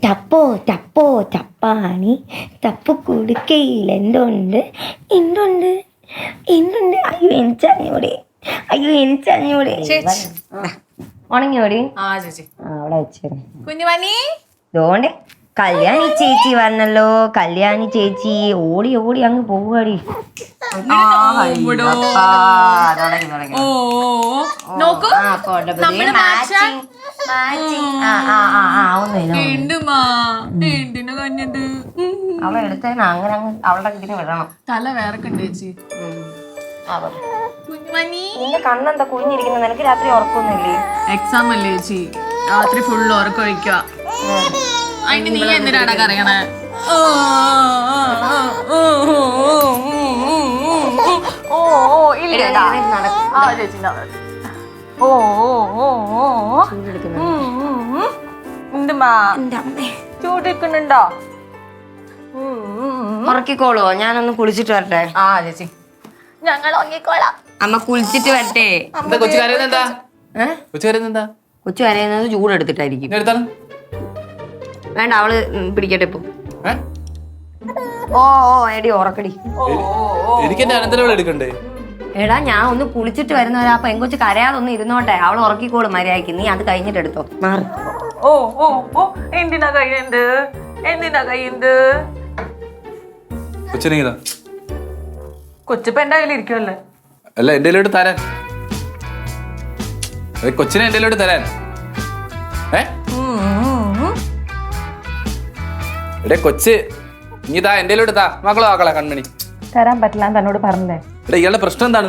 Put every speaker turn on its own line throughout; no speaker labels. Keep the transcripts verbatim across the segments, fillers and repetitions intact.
ടപ്പോ ടപ്പോ ടപ്പാണി തപ്പ് കുടുക്കയിൽ എന്തുണ്ട് എന്തുണ്ട് എന്തുണ്ട് അയ്യോ എനിച്ചറിഞ്ഞൂടെ അയ്യോ എനിച്ചറിഞ്ഞൂടെ ഉണങ്ങിയോടി
ആ ചേച്ചി
അവിടെ വെച്ചിരുന്നു
കുഞ്ഞുമണി
അതുകൊണ്ട് കല്യാണി ചേച്ചി വന്നല്ലോ. കല്യാണി ചേച്ചി ഓടി ഓടി അങ്ങ് പോവാടി.
ഓ നോക്കൂ
അവളെ എടുത്തതിന് അങ്ങനെ അങ്ങ് അവളുടെ ഇതിന് വിടണം.
തല വേറെക്കണ്ട് ചേച്ചി.
നിന്റെ കണ്ണെന്താ കുഞ്ഞിരിക്കുന്നത്? നിനക്ക് രാത്രി ഉറക്കൊന്നുമില്ലേ?
എക്സാം അല്ലേ ചേച്ചി, രാത്രി ഫുള്ള് ഉറക്കൊഴിക്കുക. അതിന് നീ എന്തിനാടാ കറിയണേ? ചൂടിക്കുന്നുണ്ടോ?
ഉറക്കിക്കോളോ? ഞാനൊന്ന് കുളിച്ചിട്ട് വരട്ടെ.
ആ ചേച്ചി ഞങ്ങൾ ഉറങ്ങിക്കോളാം.
അമ്മ കുളിച്ചിട്ട് വരട്ടെ.
കൊച്ചു കരയുന്നെന്താ? കൊച്ചു കരയുന്നെന്താ?
കൊച്ചു കരയുന്നത് ചൂടെടുത്തിട്ടായിരിക്കും. വേണ്ട, അവള് പിടിക്കട്ടെ ഇപ്പൊ. ഓ ഓ എടി ഉറക്കടി.
എനിക്ക് എന്റെ അനന്തരം എടുക്കണ്ടേ?
എടാ ഞാൻ ഒന്ന് കുളിച്ചിട്ട് വരുന്നവരാ. അപ്പൊ എങ്കൊച്ച് കരയാതൊന്നും ഇരുന്നോട്ടെ. അവള് ഉറക്കിക്കോളും മര്യാദക്ക്. നീ അത് കഴിഞ്ഞിട്ട് എടുത്തോ. മാറി.
ഓ ഓ ഓ എന്തിനാ കഴിയുന്നത്? എന്തിനാ കഴിയുന്നത്?
കൊച്ചിനെങ്കിലാ
കൊച്ചിപ്പ എന്റെ കയ്യിലിരിക്കുമല്ലേ?
അല്ല എന്റെ കയ്യിലോട്ട് തരാൻ. കൊച്ചിനെ എന്റെ കയ്യിലോട്ട് തരാൻ. ഏ എടേ കൊച്ച് നീ താ എന്റെ കയ്യിലോട്ട് താ. മക്കളോ ആക്കളാ കൺമണി.
തരാൻ പറ്റില്ല തന്നോട് പറഞ്ഞേ.
എടാ ഇയാളുടെ പ്രശ്നം എന്താണ്?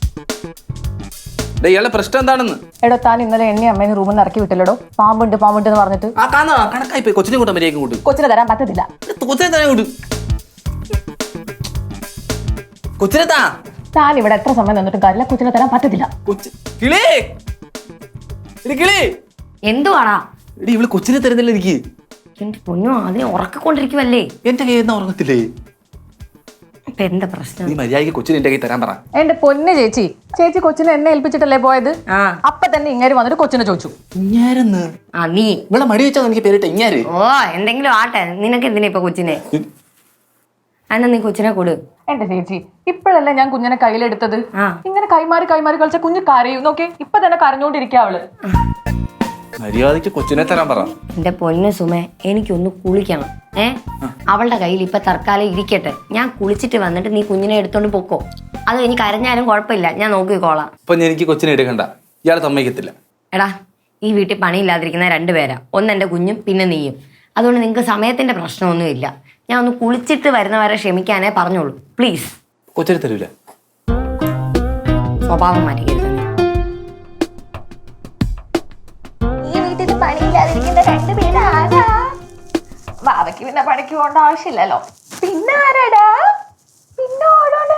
എടാ ഇയാളുടെ പ്രശ്നം എന്താണെന്ന്?
എടോ താൻ ഇന്നലെ എന്നെ അമ്മേനെ റൂമിൽ നിന്ന് ഇറക്കി വിട്ടില്ലടോ. പാമ്പുണ്ട് പാമ്പുണ്ട് എന്ന് പറഞ്ഞിട്ട്.
ആ കാണാ കണക്കായി പോയി. കൊച്ചിനെ കൂട്ടാൻ മര്യാദ കൂട്ടും.
കൊച്ചിനെ തരാൻ പറ്റത്തില്ല.
കൊച്ചിനെ തന്നെ കൂട്ടും. കൊച്ചിനെ താ.
താൻ ഇവിടെ എത്ര സമയം നിന്നിട്ടും കാര്യമില്ല. കൊച്ചിനെ തരാൻ പറ്റത്തില്ല.
കിളി കിളി
എന്തുവാടാ?
എടി ഇവള് കൊച്ചിനെ തരുന്നില്ല എനിക്ക്.
എന്റെ പൊന്നോ, അതിനെ ഉറക്കിക്കൊണ്ടിരിക്കുവല്ലേ.
എന്റെ കയ്യിൽ നിന്ന് ഉറങ്ങത്തില്ലേ?
ഇപ്പൊ എന്താ പ്രശ്നം?
നീ മര്യാദയ്ക്ക് കൊച്ചിനെ എന്റെ കയ്യിൽ തരാൻ പറ.
എന്റെ പൊന്ന് ചേച്ചി, ചേച്ചി കൊച്ചിനെ എന്നെ ഏൽപ്പിച്ചിട്ടല്ലേ പോയത്?
ആ
അപ്പൊ തന്നെ ഇങ്ങനെ വന്നിട്ട് കൊച്ചിനെ ചോദിച്ചു.
ഇങ്ങാരെന്ന്?
ആ നീ
ഇവിടെ മടി വെച്ചാൽ എനിക്ക് പേരിട്ട് ഇങ്ങാര്.
ഓ എന്തെങ്കിലും ആട്ടെ. നിനക്ക് എന്തിനാ ഇപ്പൊ കൊച്ചിനെ? എന്നാ നീ കൊച്ചിനെ കൊടു.
എന്റെ ചേച്ചി, ഇപ്പോഴല്ലേ ഞാൻ കുഞ്ഞിനെ കയ്യിലെടുത്തത്.
ആ
ഇങ്ങനെ കൈമാറി കൈമാറി കളിച്ച കുഞ്ഞ് കരയും. നോക്കേ ഇപ്പൊ തന്നെ കരഞ്ഞോണ്ടിരിക്കുക അവള്.
മര്യാദയ്ക്ക് കൊച്ചിനെ തരാൻ പറ.
എന്റെ പൊന്ന് സുമേ, എനിക്കൊന്ന് കുളിക്കണം. ഏ അവളുടെ കയ്യിൽ ഇപ്പൊ തൽക്കാലം ഇരിക്കട്ടെ. ഞാൻ കുളിച്ചിട്ട് വന്നിട്ട് നീ കുഞ്ഞിനെ എടുത്തോണ്ട് പൊക്കോ. അത് എനിക്ക് കരഞ്ഞാലും കുഴപ്പമില്ല, ഞാൻ നോക്കിക്കോളാം.
അപ്പൊ എനിക്ക് കൊച്ചിനെ എടുക്കണ്ട. ഇയാളെ സമ്മതിക്കത്തില്ല.
എടാ ഈ വീട്ടിൽ പണിയില്ലാതിരിക്കുന്ന രണ്ടുപേരാ. ഒന്ന് എന്റെ കുഞ്ഞും പിന്നെ നീയും. അതുകൊണ്ട് നിങ്ങക്ക് സമയത്തിന്റെ പ്രശ്നമൊന്നുമില്ല. ഞാൻ ഒന്ന് കുളിച്ചിട്ട് വരുന്നവരെ ക്ഷമിക്കാനേ പറഞ്ഞോളൂ പ്ലീസ്.
കൊച്ചിനെ തരൂല.
സ്വഭാവം മാറ്റിക്കരുത്.
ഈ വീട്ടിൽ പണിയില്ലാതിരിക്കുന്ന രണ്ടുപേരാ. ബാബയ്ക്ക് പിന്നെ പണിക്ക് പോകേണ്ട ആവശ്യമില്ലല്ലോ. പിന്നെ ആരാടാ? പിന്നെ ആരാണ്?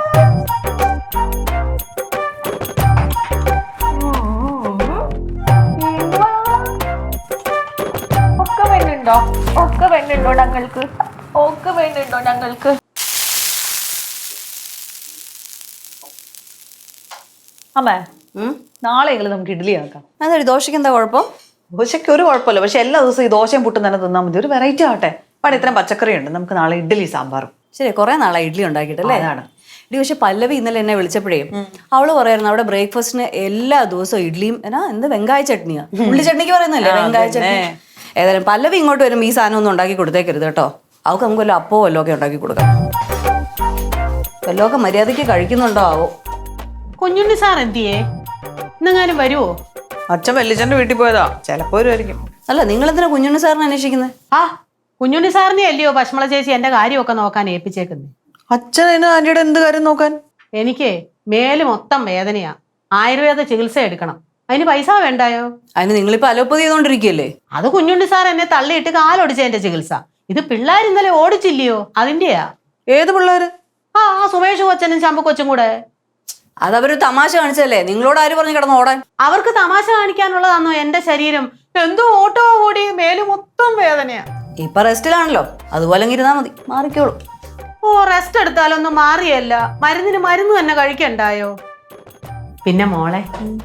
ഒക്കെ വേണ്ടുണ്ടോ? ഒക്കെ വേണ്ടുണ്ടോ ഞങ്ങൾക്ക്? ഒക്കെ വേണ്ടുണ്ടോ ഞങ്ങൾക്ക്? അമ്മേ നാളെ നമുക്ക് ഇഡ്ഡലി ആക്കാം.
അതൊരു ദോശയ്ക്ക് എന്താ കുഴപ്പം?
ദോശയ്ക്ക് ഒരു കുഴപ്പമില്ല, പക്ഷെ എല്ലാ ദിവസവും ഈ ദോശയും പുട്ടും തന്നെ തിന്നാൽ മതി. ഒരു വെറൈറ്റി ആവട്ടെ. പണ്ട് ഇത്രയും പച്ചക്കറി ഉണ്ട്. നമുക്ക് നാളെ ഇഡ്ഡലി സാമ്പാറും.
ശരി, കുറെ നാളായി ഇഡ്ഡലി ഉണ്ടാക്കിയിട്ടല്ലേ?
അതാണ്.
ഇഡ്ഡലി പക്ഷെ പല്ലവി ഇന്നലെ എന്നെ വിളിച്ചപ്പോഴേ അവള് പറയായിരുന്നു അവിടെ ബ്രേക്ക്ഫാസ്റ്റിന് എല്ലാ ദിവസവും ഇഡ്ഡലിയും എന്നാ എന്ത് വെങ്കായ ചട്നിയാ. ഉള്ളി ചട്നിക്ക് പറയുന്നല്ലേ വെങ്കായ ചട്നി. ഏതായാലും പല്ലവി ഇങ്ങോട്ട് വരുമ്പോൾ ഈ സാധനം ഒന്നും ഉണ്ടാക്കി കൊടുത്തേക്കരുത് കേട്ടോ. അവൾക്ക് നമുക്ക് വല്ല അപ്പോ വല്ലോ ഒക്കെ ഉണ്ടാക്കി കൊടുക്കാം. വല്ലതൊക്കെ മര്യാദയ്ക്ക് കഴിക്കുന്നുണ്ടോ ആവോ?
കുഞ്ഞുണ്ണി സാർ എന്തിയേ? ഇന്നെങ്ങാനും വരുവോ?
അച്ഛൻ വല്യച്ഛന്റെ വീട്ടിൽ പോയതാ. ചിലപ്പോ വരുമായിരിക്കും.
അല്ല നിങ്ങൾ എന്തിനാ കുഞ്ഞുണ്ണി സാറിനെ അന്വേഷിക്കുന്നത്?
ആ കുഞ്ഞുണ്ണി സാറിനെ അല്ലയോ ഭക്ഷമള ചേച്ചി എന്റെ കാര്യമൊക്കെ നോക്കാൻ ഏൽപ്പിച്ചേക്കുന്നേ.
അച്ഛൻ അതിന് ആന്റിയുടെ എന്ത് കാര്യം നോക്കാൻ?
എനിക്ക് മേല് മൊത്തം വേദനയാ. ആയുർവേദ ചികിത്സ എടുക്കണം. അതിന് പൈസ വേണ്ടായോ?
അതിന് നിങ്ങളിപ്പോ അലോപ്പതി ചെയ്തോണ്ടിരിക്കുകയല്ലേ?
അത് കുഞ്ഞുണ്ണി സാർ എന്നെ തള്ളിയിട്ട് കാലൊടിച്ചതിന്റെ ചികിത്സ. ഇത് പിള്ളേർ ഇന്നലെ ഓടിച്ചില്ലയോ അതിന്റെയാ.
ഏത് പിള്ളേര്?
ആ സുമേഷ് കൊച്ചനും ശമ്പു കൊച്ചും കൂടെ.
അതവര് തമാശ കാണിച്ചല്ലേ? നിങ്ങളോട് ആര് പറഞ്ഞു കിടന്ന് ഓടാൻ?
അവർക്ക് തമാശ കാണിക്കാനുള്ളതാണോ എന്റെ ശരീരം? എന്തോ ഓട്ടോ കൂടി മേല് മൊത്തം വേദനയാ.
ഇപ്പൊ റെസ്റ്റിലാണല്ലോ, അതുപോലെ ഇരുന്നാ മതി, മാറിക്കോളൂ.
ഓ റെസ്റ്റ് എടുത്താലൊന്നും മാറിയല്ല, മരുന്നിന് മരുന്ന് തന്നെ കഴിക്കണ്ടായോ? പിന്നെ മോളെ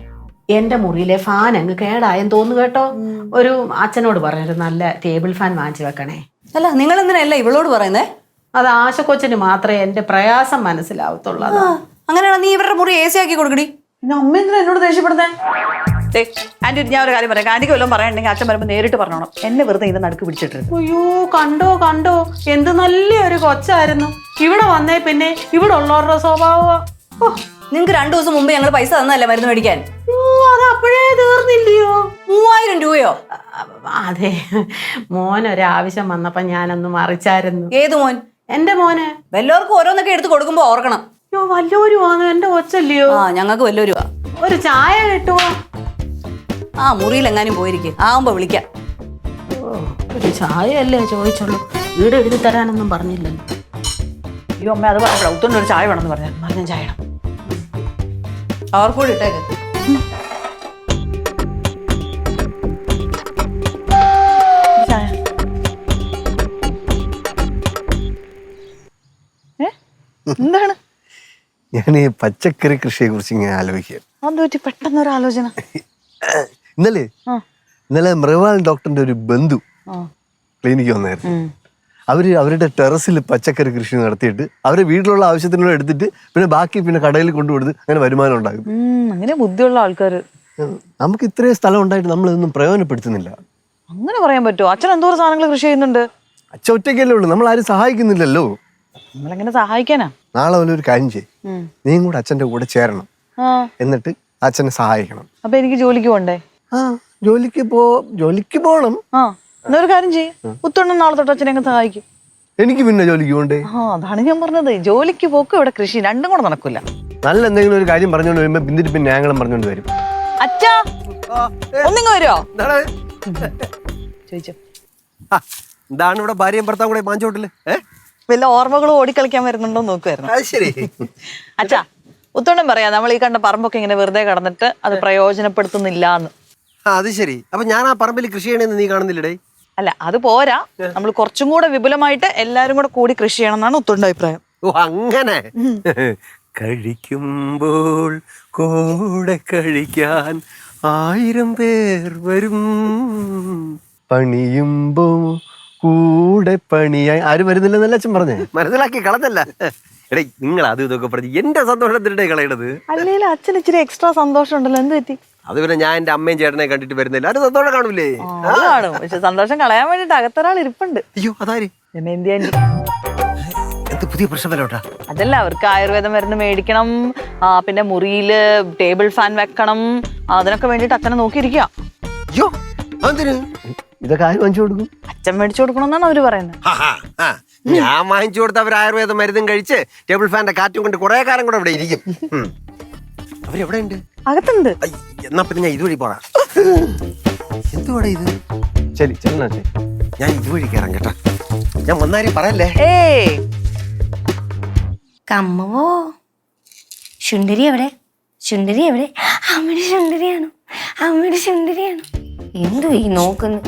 എന്റെ മുറിയിലെ ഫാൻ അങ്ങ് കേടായെന്ന് തോന്നുന്നു കേട്ടോ. ഒരു അച്ഛനോട് പറഞ്ഞൊരു നല്ല ടേബിൾ ഫാൻ വാങ്ങിച്ചു വെക്കണേ.
അല്ല നിങ്ങൾ എന്തിനല്ല ഇവളോട് പറയുന്നേ?
അത് ആശക്കൊച്ചിന് മാത്രമേ എന്റെ പ്രയാസം മനസ്സിലാവത്തുള്ളൂ. അതാ.
അങ്ങനെയാണോ നീ ഇവരുടെ മുറി എ സി ആക്കി കൊടുക്കടി.
പിന്നെ അമ്മ എന്തിനാ എന്നോട് ദേഷ്യപ്പെടുന്നേ? ആന്റി, ഞാൻ ഒരു കാര്യം പറയാം. ആന്റിക്ക് വല്ലതും പറയാനുണ്ടെങ്കിൽ അച്ഛൻ വരുമ്പോൾ നേരിട്ട് പറഞ്ഞോണം. എന്നെ വെറുതെ ഇതിന്റെ നടുക്ക് പിടിച്ചിട്ടിരുന്നു.
അയ്യോ കണ്ടോ കണ്ടോ എന്ത് നല്ലൊരു കൊച്ചായിരുന്നു. ഇവിടെ വന്നേ പിന്നെ ഇവിടെ ഉള്ളവരുടെ സ്വഭാവം.
നിങ്ങക്ക് രണ്ടു ദിവസം മുമ്പ് ഞങ്ങൾ പൈസ തന്നല്ലേ മരുന്ന് മേടിക്കാൻ?
അത് അപ്പോഴേ തീർന്നില്ലയോ?
മൂവായിരം രൂപയോ?
അതെ, മോനൊരാവശ്യം വന്നപ്പോ ഞാനൊന്ന് മറിച്ചായിരുന്നു.
ഏത് മോൻ?
എന്റെ മോന്.
വല്ലവർക്കും ഓരോന്നൊക്കെ എടുത്ത് കൊടുക്കുമ്പോ ഓർക്കണം.
അയ്യോ വല്ലോരും ആന്ന് എന്റെ കൊച്ചല്ലയോ?
ആ ഞങ്ങൾക്ക് വല്ലൊരു
ഒരു ചായ കിട്ടുമോ?
ആ മുറിയിൽ എങ്ങാനും പോയിരിക്കും, ആവുമ്പോ വിളിക്കാം.
ഒരു ചായ അല്ലേ ചോദിച്ചുള്ളൂ, വീട് എഴുതി തരാനൊന്നും പറഞ്ഞില്ലല്ലോ.
അയ്യോ അമ്മ, അത് പറഞ്ഞപ്പോഴാ ഉത്തോണ്ട് ഒരു ചായ വേണമെന്ന് പറഞ്ഞു. പറഞ്ഞ ചായ ഇടാം.
അവർക്കൂടെ ഇട്ടേക്ക്.
ചായ. ഏ എന്താണ്?
ഞാൻ ഈ പച്ചക്കറി കൃഷിയെ കുറിച്ച് ഇങ്ങനെ ആലോചിക്കുക.
അത് പറ്റി പെട്ടെന്നൊരു ആലോചന.
ഇന്നലെ ഇന്നലെ മൃഗാൽ ഡോക്ടറിന്റെ ഒരു ബന്ധു ക്ലിനിക്ക് വന്നായിരുന്നു. അവര് അവരുടെ ടെറസിൽ പച്ചക്കറി കൃഷി നടത്തിയിട്ട് അവരെ വീട്ടിലുള്ള ആവശ്യത്തിനുള്ള എടുത്തിട്ട് പിന്നെ ബാക്കി പിന്നെ കടയിൽ കൊണ്ടുകൊടുത്ത് അങ്ങനെ വരുമാനം ഉണ്ടാകും.
അങ്ങനെ ബുദ്ധിയുള്ള ആൾക്കാര്.
നമുക്ക് ഇത്രയും സ്ഥലം ഉണ്ടായിട്ട് നമ്മളിതൊന്നും പ്രയോജനപ്പെടുത്തുന്നില്ല.
അങ്ങനെ പറയാൻ പറ്റുമോ? അച്ഛൻ എന്തോരം സാധനങ്ങൾ കൃഷി ചെയ്യുന്നുണ്ട്.
അച്ഛൻ ഒറ്റയ്ക്കല്ലേ ഉള്ളൂ, നമ്മൾ ആരും സഹായിക്കുന്നില്ലല്ലോ.
നമ്മളെങ്ങനെ സഹായിക്കാനാ?
നാളെ പോലെ ഒരു കാര്യം ചെയ്യും, നീയും കൂടെ അച്ഛൻ്റെ കൂടെ ചേരണം,
ആ
എന്നിട്ട് അച്ഛനെ സഹായിക്കണം.
അപ്പൊ എനിക്ക് ജോലിക്ക് പോണ്ടേ?
ആ ജോലിക്ക് പോ ജോലിക്ക് പോകണം.
ആ എന്നാ ഒരു കാര്യം ചെയ്യും, ഉത്തോണ്ണം നാളെ തൊട്ട് അച്ഛനെ അങ്ങ് സഹായിക്കും.
എനിക്ക് പിന്നെ ജോലിക്ക് പോകണ്ടേ?
ആ അതാണ് ഞാൻ പറഞ്ഞത്, ജോലിക്ക് പോക്കും ഇവിടെ കൃഷി രണ്ടും കൂടെ നടക്കൂല.
നല്ല എന്തെങ്കിലും ഒരു കാര്യം പറഞ്ഞുകൊണ്ട് വരുമ്പോ പിന്നിട്ട് പിന്നെ ഞങ്ങളും പറഞ്ഞുകൊണ്ട് വരും.
അച്ഛാ ഒന്നിങ്ങ് വരുമോ ചോദിച്ചോ.
എന്താണ് ഇവിടെ ഭാര്യയും ഭർത്താവും കൂടെ മാഞ്ചോട്ടില്?
വല്ല ഓർമ്മകളും ഓടിക്കളിക്കാൻ വരുന്നുണ്ടോ നോക്കുമായിരുന്നു.
ശരി.
അച്ഛാ ഉത്തോണ്ണം പറയാ, നമ്മൾ ഈ കണ്ട പറമ്പൊക്കെ ഇങ്ങനെ വെറുതെ കടന്നിട്ട് അത് പ്രയോജനപ്പെടുത്തുന്നില്ല എന്ന്.
അത് ശരി. അപ്പൊ ഞാൻ ആ പറമ്പിൽ കൃഷി ചെയ്യണമെന്ന് നീ കാണുന്നില്ലടേ?
അല്ല അത് പോരാ, നമ്മൾ കുറച്ചും കൂടെ വിപുലമായിട്ട് എല്ലാരും കൂടെ കൂടി കൃഷി ചെയ്യണം എന്നാണ് ഉത്തോണ്ട അഭിപ്രായം.
ഓ അങ്ങനെ. കഴിക്കുമ്പോൾ കൂടെ കഴിക്കാൻ ആയിരം പേർ വരും, പണിയുമ്പോ കൂടെ പണിയായി ആരും വരുന്നില്ലെന്നല്ല അച്ഛൻ പറഞ്ഞേ. മനസ്സിലാക്കി കളഞ്ഞല്ല. എടേ നിങ്ങൾ അത് ഇതൊക്കെ പറഞ്ഞു എന്റെ സന്തോഷത്തിനിടെ കളയണത്.
അല്ലെങ്കിൽ അച്ഛൻ ഇച്ചിരി എക്സ്ട്രാ സന്തോഷം ഉണ്ടല്ലോ, എന്ത് പറ്റി?
അത് പിന്നെ ഞാൻ എന്റെ അമ്മയും ചേട്ടനെ കണ്ടിട്ട് വരുന്നില്ല, അത് സന്തോഷം കാണൂലേ?
അത് കാണും, പക്ഷെ സന്തോഷം കളയാൻ വേണ്ടിട്ട് അകത്തൊരാൾ ഇരിപ്പുണ്ട്.
അയ്യോ അതാര്?
ദമയന്തി ആന്റി.
എന്ത് പുതിയ പ്രശ്നം വരോട്ടാ?
അതല്ല, അവർക്ക് ആയുർവേദ മരുന്ന് മേടിക്കണം, ആ പിന്നെ മുറിയില് ടേബിൾ ഫാൻ വെക്കണം, അതിനൊക്കെ വേണ്ടിട്ട് അച്ഛനെ നോക്കിയിരിക്കുക.
അയ്യോ അതിന് ഇതൊക്കെ ആര് വാങ്ങിച്ചു കൊടുക്കും?
അച്ഛൻ മേടിച്ചു കൊടുക്കണമെന്നാണ് അവര് പറയുന്നത്.
ഞാൻ വാങ്ങിച്ചു കൊടുത്ത അവർ ആയുർവേദ മരുന്നും കഴിച്ച് ടേബിൾ ഫാന്റെ കാറ്റും കൊണ്ട് കുറെ കാലം കൂടെ ഇവിടെ ഇരിക്കും. അവരെവിടെ ഉണ്ട്?
അകത്തുണ്ട്.
എന്നാ പിന്നെ ഞാൻ ഇതുവഴി പോറാ. എന്തുവാടാ ഇത്? ശരി ചെന്നാ ഞാൻ ഇതുവഴി കയറാം കേട്ടാ. ഞാൻ വന്നാരി പറയല്ലേ.
ഏയ്
കമ്മവോ ശുണ്ടരി എവിടെ? ശുണ്ടരി എവിടെ? അമ്മയുടെ ശുണ്ടരിയാണോ? അമ്മയുടെ ശുണ്ടരിയാണോ? എന്തു ഈ നോക്കുന്നു?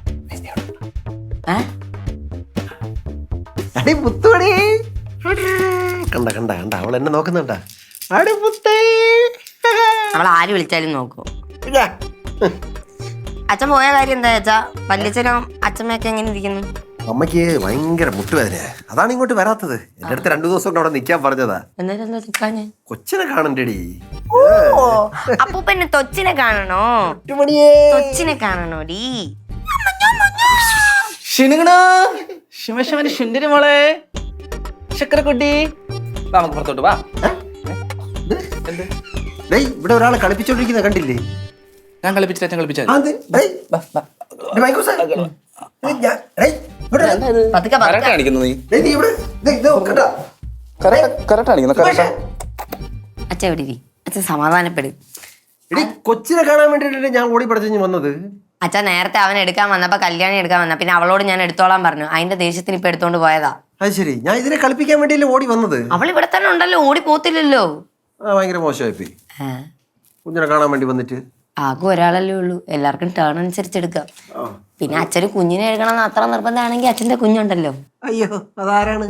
അടി പുത്തോടി കണ്ട കണ്ട കണ്ട അവൾ എന്നെ നോക്കുന്നുണ്ടാ. അടി പുത്തേ.
അവൾ ആര് വിളിച്ചാലും നോക്കൂ. അച്ഛൻ പോയ കാര്യം എന്താ വെച്ചാ? വല്യച്ഛനും അച്ഛമ്മയൊക്കെ എങ്ങനെ ഇരിക്കുന്നു?
അമ്മയ്ക്ക് ഭയങ്കര മുട്ടുവേദന, അതാണ് ഇങ്ങോട്ട് വരാത്തത്. എന്റെ അടുത്ത് രണ്ടു ദിവസം കൊണ്ട് അവിടെ നിക്കാൻ പറഞ്ഞതാ.
എന്നിട്ട് എന്താ നിക്കാഞ്ഞ്?
കൊച്ചിനെ കാണണ്ടേടി.
ഓ അപ്പൊ പിന്നെ തൊച്ചിനെ കാണണോ? തൊച്ചിനെ കാണണോടി.
ശുണ്ടരി മോളെ, ശക്കരക്കുട്ടി, നമുക്ക് പുറത്തോട്ട് വാ.
ഇവിടെ ഒരാളെ കളിപ്പിച്ചോണ്ടിരിക്കുന്ന കണ്ടില്ലേ?
ഞാൻ കളിപ്പിച്ചിട്ട് അച്ഛൻ കളിപ്പിച്ചാൽ
പതുക്കെ പതുക്കെ.
കാണിക്കുന്നു നീ അച്ഛൻ
എവിടെ ഇരി. അച്ഛൻ സമാധാനപ്പെടും.
കൊച്ചിനെ കാണാൻ വേണ്ടിട്ട് ഞാൻ ഓടി പഠിച്ചു വന്നത്.
അച്ഛൻ നേരത്തെ അവൻ എടുക്കാൻ വന്നപ്പോ കല്യാണി എടുക്കാൻ വന്ന പിന്നെ അവളോട് ഞാൻ എടുത്തോളാൻ പറഞ്ഞു. അതിന്റെ ദേഷ്യത്തിന് ഇപ്പൊ എടുത്തോണ്ട് പോയതാ.
അത് ശരി, ഞാൻ ഇതിനെ കളിപ്പിക്കാൻ വേണ്ടിയല്ലേ ഓടി വന്നത്.
അവൾ ഇവിടെ തന്നെ ഉണ്ടല്ലോ, ഓടി പോത്തില്ലല്ലോ.
ആ ഭയങ്കര മോശമായി പോയി. കുഞ്ഞിനെ കാണാൻ വേണ്ടി വന്നിട്ട്
ആകെ ഒരാളല്ലേ ഉള്ളൂ, എല്ലാവർക്കും ടേൺ അനുസരിച്ച് എടുക്കാം. പിന്നെ അച്ഛന് കുഞ്ഞിനെ എടുക്കണം എന്ന് അത്ര നിർബന്ധമാണെങ്കിൽ അച്ഛന്റെ കുഞ്ഞുണ്ടല്ലോ.
അയ്യോ അതാരാണ്?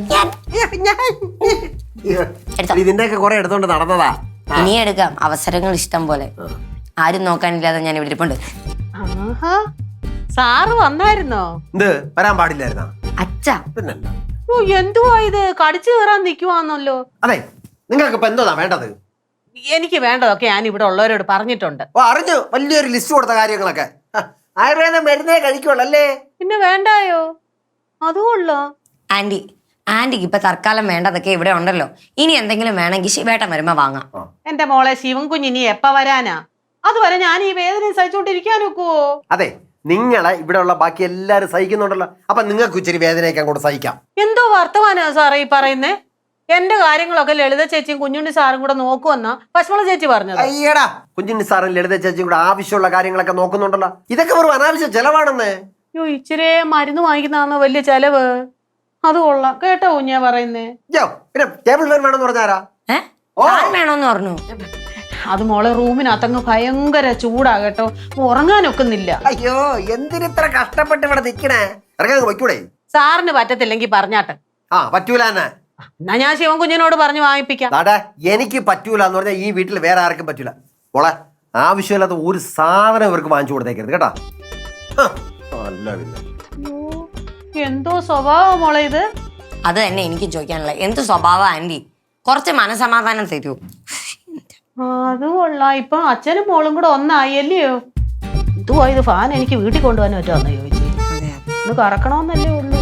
ഇതിന്റെ ഒക്കെ കുറെ എടുത്തോണ്ട് നടന്നതാ.
ഇനി എടുക്കാം, അവസരങ്ങൾ ഇഷ്ടം പോലെ. ആരും നോക്കാനില്ലാതെ ഞാൻ ഇവിടെ ഇരിപ്പുണ്ട്.
ആഹാ സാറ് വന്നായിരുന്നോ?
എന്ത് വരാൻ പാടില്ലായിരുന്നാ?
അച്ഛാ
പിന്നല്ല.
ഓ എന്തുവാ ഇത്, കടിച്ചു കയറാൻ നിക്കുവാന്നല്ലോ.
അതെ, നിങ്ങൾക്ക് ഇപ്പൊ എന്തോന്നാ വേണ്ടത്?
എനിക്ക് വേണ്ടതൊക്കെ ഞാൻ ഇവിടെ ഉള്ളവരോട് പറഞ്ഞിട്ടുണ്ട്.
ഓ അറിഞ്ഞു, വലിയൊരു ലിസ്റ്റ് കൊടുത്ത കാര്യങ്ങളൊക്കെ. ഹ, ആയുർവേദം മരുന്നേ കഴിക്കുള്ളല്ലേ?
പിന്നെ വേണ്ടായോ? അതുകൊള്ളോ.
ആന്റി ആന്റിക്ക് ഇപ്പൊ തൽക്കാലം വേണ്ടതൊക്കെ ഇവിടെ ഉണ്ടല്ലോ. ഇനി എന്തെങ്കിലും വേണമെങ്കിൽ ശിവേട്ടൻ വരുമ്പോ വാങ്ങാം.
എന്റെ മോളെ ശിവൻ കുഞ്ഞിനി എപ്പ വരാനാ? അതുവരെ ഞാൻ ഈ വേദന സഹിച്ചോണ്ടിരിക്കാൻ ഒക്കുവോ?
അതെ, നിങ്ങളെ ഇവിടെ ഉള്ള ബാക്കി എല്ലാരും സഹിക്കുന്നുണ്ടല്ലോ, അപ്പൊ നിങ്ങൾക്ക് ഇച്ചിരി വേദനയൊക്കെ അങ്ങോട്ട് സഹിക്കാം.
എന്തോ വർത്തമാനാ സാറേ ഈ പറയുന്നേ? എന്റെ കാര്യങ്ങളൊക്കെ ലളിത ചേച്ചിയും കുഞ്ഞുണ്ണി സാറും കൂടെ നോക്കുവെന്നാ പശ്മള ചേച്ചി പറഞ്ഞത്.
അയ്യടാ, കുഞ്ഞിന് സാറും ലളിത ചേച്ചിയും കൂടെ ആവശ്യമുള്ള കാര്യങ്ങളൊക്കെ നോക്കുന്നുണ്ടല്ലോ. ഇതൊക്കെ വെറും അനാവശ്യ ചെലവാണെന്ന്.
അയ്യോ ഇച്ചിരി മരുന്ന് വാങ്ങിക്കുന്നതാണോ വലിയ ചെലവ്? അത് കൊള്ളാം കേട്ടോ കുഞ്ഞാ പറയുന്നേ.
യോ പിന്നെ ടേബിൾ ഫാൻ വേണമെന്ന് പറഞ്ഞാരാ?
ഏഹ് വേണോന്ന് പറഞ്ഞു.
അത് മോളെ റൂമിനകത്തങ്ങ് ഭയങ്കര ചൂടാ കേട്ടോ, ഉറങ്ങാനൊക്കുന്നില്ല.
അയ്യോ എന്തിനിത്ര കഷ്ടപ്പെട്ട് ഇവിടെ നിക്കണേ? ഇറങ്ങാൻ വയ്ക്കൂടെ?
സാറിന് പറ്റത്തില്ലെങ്കിൽ പറഞ്ഞാട്ടെ.
ആ പറ്റൂല തന്നെ.
എന്നാ ഞാൻ ശിവൻ കുഞ്ഞിനോട് പറഞ്ഞു വാങ്ങിപ്പിക്കാം.
നാടാ എനിക്ക് പറ്റൂല എന്ന് പറഞ്ഞാൽ ഈ വീട്ടിൽ വേറെ ആർക്കും പറ്റൂല. മോളെ ആവശ്യമില്ലാത്ത ഒരു സാധനം ഇവർക്ക് വാങ്ങിച്ചു കൊടുത്തേക്കരുത് കേട്ടാ. അല്ല പിന്നെ
എന്തോ സ്വഭാവം മോളെ ഇത്.
അത് തന്നെ എനിക്ക് ചോദിക്കാനുള്ള എന്ത് സ്വഭാവ ആന്റി? കുറച്ച് മനസമാധാനം തരൂ.
അത് കൊള്ളാം. ഇപ്പൊ അച്ഛനും മോളും കൂടെ ഒന്നായി അല്ലയോ? എന്തുവാ ഇത്, ഫാൻ എനിക്ക് വീട്ടിൽ കൊണ്ടുപോകാൻ പറ്റുമെന്ന് ചോദിച്ചു. ഇത് കറക്കണമെന്നല്ലേ ഉള്ളൂ.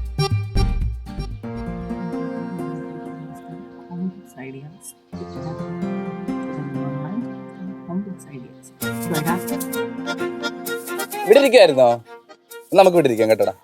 ഇവിടെ ഇരിക്കുവായിരുന്നോ? നമുക്ക് ഇവിടെ ഇരിക്കാം കേട്ടോടാ.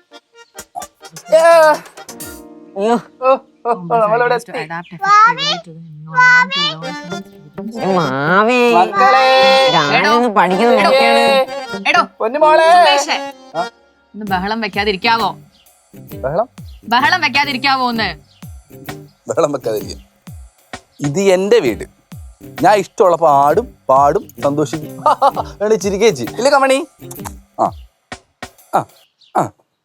ബഹളം വെക്കാതിരിക്കാവോ?
ബഹളം
ബഹളം വെക്കാതിരിക്കാവോ ഒന്ന്?
ബഹളം വെക്കാതിരിക്കും. ഇത് എന്റെ വീട്. ഞാൻ ഇഷ്ടമുള്ളപ്പോ ആടും പാടും സന്തോഷിക്കും. ചിരിക്കേച്ചി ഇല്ലേ കമണി? ആ ആ ആ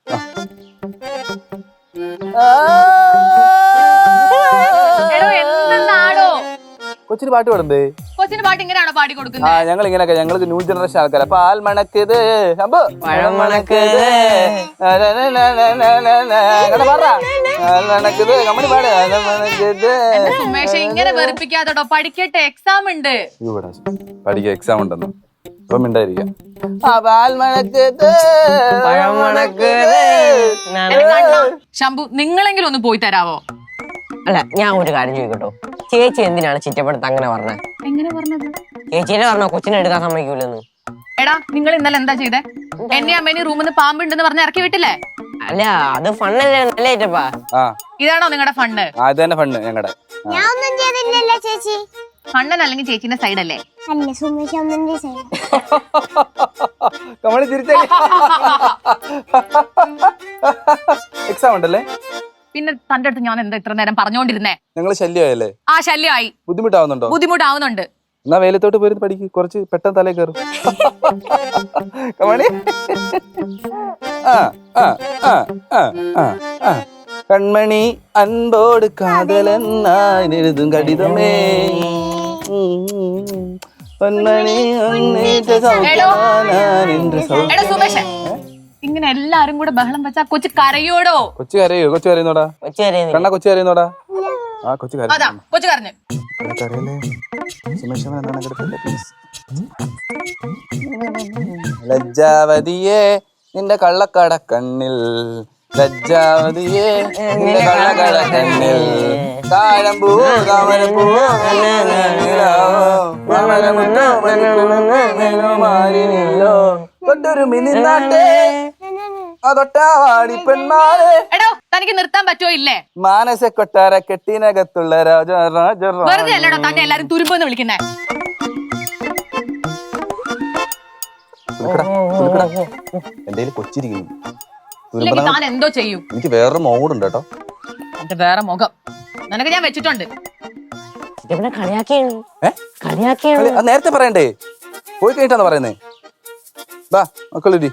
കൊച്ചിന് പാട്ട് പാടണ്ടേ?
കൊച്ചിന് പാട്ട് ഇങ്ങനെയാണോ പാടി
ആ
കൊടുക്കുന്നത്?
ഞങ്ങൾ ഇങ്ങനെയൊക്കെ, ഞങ്ങൾക്ക് ന്യൂ ജനറേഷൻ ആൾക്കാരാ. പാൽ മണക്കത് പഴം മണക്കത് മണക്കത് കമ്മണി പാട് മണക്കത്.
സുമേഷ് ഇങ്ങനെ വെറുപ്പിക്കാത്തോട്ടോ, പഠിക്കട്ടെ, എക്സാം ഉണ്ട്.
ഇവിടെ പഠിക്കാൻ എക്സാം ഉണ്ടെന്ന് ഇപ്പം മിണ്ടായിരിക്കാം. ആ പാൽ മണക്കത് പഴം മണക്കത്.
ശംഭു നിങ്ങളെങ്കിലും ഒന്ന് പോയി തരാവോ?
അല്ല ഞാൻ ഒരു കാര്യം ചോദിക്കട്ടോ, ചേച്ചി എന്തിനാണ് ചിറ്റപ്പെടുത്ത് അങ്ങനെ പറഞ്ഞത്?
എങ്ങനെ പറഞ്ഞത്?
ചേച്ചിനെ പറഞ്ഞോ കൊച്ചിനെ എടുക്കാൻ സമ്മതിക്കൂലെന്ന്.
എടാ നിങ്ങൾ ഇന്നലെ എന്താ ചെയ്തേ? എന്നെ അമ്മേനെ റൂമിൽ നിന്ന് പാമ്പുണ്ടെന്ന് പറഞ്ഞ് ഇറക്കി വിട്ടില്ലേ?
അല്ല അത് ഫണ്ണല്ലേ, നല്ല ഏറ്റപ്പാ.
ആ
ഇതാണോ നിങ്ങളുടെ ഫണ്ട്?
ആ ഇത് തന്നെ ഫണ്ട് ഞങ്ങളുടെ.
ഞാനൊന്നും ചെയ്തില്ലല്ലോ ചേച്ചി.
ഫണ്ണൻ അല്ലെങ്കിൽ ചേച്ചിന്റെ സൈഡ് അല്ലേ?
അല്ല സുമേഷ് അമ്മന്റെ സൈഡ്.
കമണി തിരിച്ചേ. എക്സാം ഉണ്ടല്ലേ?
പിന്നെ തന്റെ അടുത്ത് ഞാൻ എന്താ ഇത്ര നേരം പറഞ്ഞോണ്ടിരുന്നേ?
ഞങ്ങള് ശല്യമായല്ലേ?
ആ ശല്യമായി.
ബുദ്ധിമുട്ടാവുന്നുണ്ടോ?
ബുദ്ധിമുട്ടാവുന്നുണ്ട്.
എന്നാ വെയിലത്തോട്ട് പോയി പഠിക്ക്, കുറച്ച് പെട്ടെന്ന് തലേ കയറും. കമണി ആ ആ ആ ആ ആ ആ കൺമണി അൻപോട് കാതലെന്നെഴുതും കടിതമേ പൊന്മണി
എടാ സുമേഷ്, ഇങ്ങനെ എല്ലാരും കൂടെ ബഹളം വെച്ചാ കൊച്ചു കരയോടോ?
കൊച്ചു കരയോ? കൊച്ചു കരയുന്നോടാ? കണ്ണ കൊച്ചു കരയുന്നോടാ? ആ കൊച്ചു കരയും.
അതാ കൊച്ചു കരഞ്ഞു.
ലജ്ജാവതിയെ നിന്റെ കള്ളക്കട കണ്ണിൽ, ലജ്ജാവതിയെ നിന്റെ കള്ളക്കട കണ്ണിൽ, താഴമ്പൂവോ താമരപ്പൂവോ തൊട്ടൊരു മിനിനാട്ടെ അതൊട്ടാവാടി പെൺമാരെ.
എടോ തനിക്ക് നിർത്താൻ പറ്റുമോ ഇല്ലേ?
മാനസ കൊട്ടാര കെട്ടിനകത്തുള്ള രാജ രാജ
വെറുതെ അല്ലടോ തന്നെ എല്ലാരും തുരുമ്പെന്ന് വിളിക്കുന്നേ.
എന്റെ കൊച്ചിരിക്കുന്നു.
ഇല്ലെങ്കിൽ താൻ എന്തോ ചെയ്യും.
എനിക്ക് വേറൊരു മോഡുണ്ട് കേട്ടോ.
എന്റെ വേറെ മുഖം നിനക്ക് ഞാൻ വെച്ചിട്ടുണ്ട്.
നേരത്തെ പറയണ്ടേ? പോയി കഴിഞ്ഞിട്ടാണ് പറയുന്നേ. ബാ മക്കളി.